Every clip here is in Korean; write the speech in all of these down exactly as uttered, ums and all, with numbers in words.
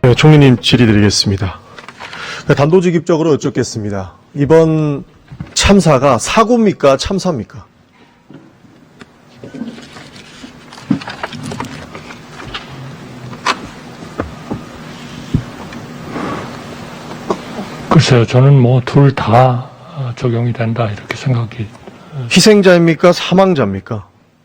네, 총리님 질의드리겠습니다. 단도직입적으로 여쭙겠습니다. 이번 참사가 사고입니까? 참사입니까? 글쎄요, 저는 뭐 둘 다 적용이 된다 이렇게 생각이. 희생자입니까? 사망자입니까?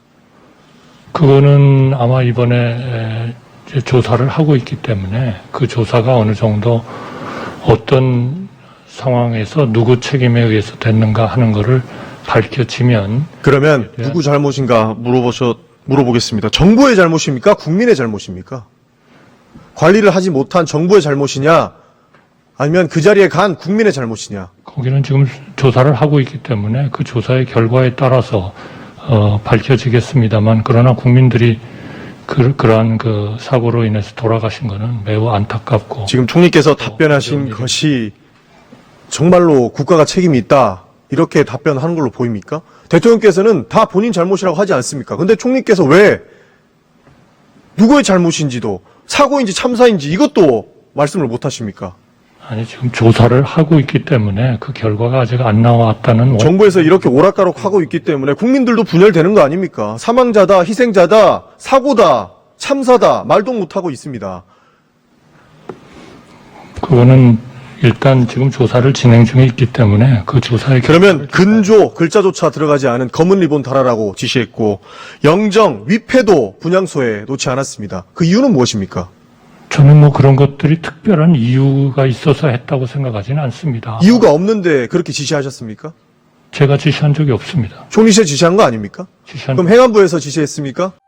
그거는 아마 이번에 이제 조사를 하고 있기 때문에 그 조사가 어느 정도 어떤 상황에서 누구 책임에 의해서 됐는가 하는 거를 밝혀지면. 그러면 누구 잘못인가 물어보셔, 물어보겠습니다. 정부의 잘못입니까? 국민의 잘못입니까? 관리를 하지 못한 정부의 잘못이냐? 아니면 그 자리에 간 국민의 잘못이냐? 거기는 지금 조사를 하고 있기 때문에 그 조사의 결과에 따라서 어, 밝혀지겠습니다만, 그러나 국민들이 그, 그러한 그 사고로 인해서 돌아가신 거는 매우 안타깝고. 지금 총리께서 답변하신 것이 정말로 국가가 책임이 있다, 이렇게 답변하는 걸로 보입니까? 대통령께서는 다 본인 잘못이라고 하지 않습니까? 근데 총리께서 왜 누구의 잘못인지도, 사고인지 참사인지 이것도 말씀을 못 하십니까? 아니, 지금 조사를 하고 있기 때문에 그 결과가 아직 안 나왔다는. 정부에서 이렇게 오락가락 하고 있기 때문에 국민들도 분열되는 거 아닙니까? 사망자다, 희생자다, 사고다, 참사다, 말도 못하고 있습니다. 그거는 일단 지금 조사를 진행 중에 있기 때문에 그 조사의. 그러면 근조 글자조차 들어가지 않은 검은 리본 달아라고 지시했고, 영정, 위패도 분향소에 놓지 않았습니다. 그 이유는 무엇입니까? 저는 뭐 그런 것들이 특별한 이유가 있어서 했다고 생각하지는 않습니다. 이유가 없는데 그렇게 지시하셨습니까? 제가 지시한 적이 없습니다. 총리실 지시한 거 아닙니까? 지시한 그럼 행안부에서 지시했습니까?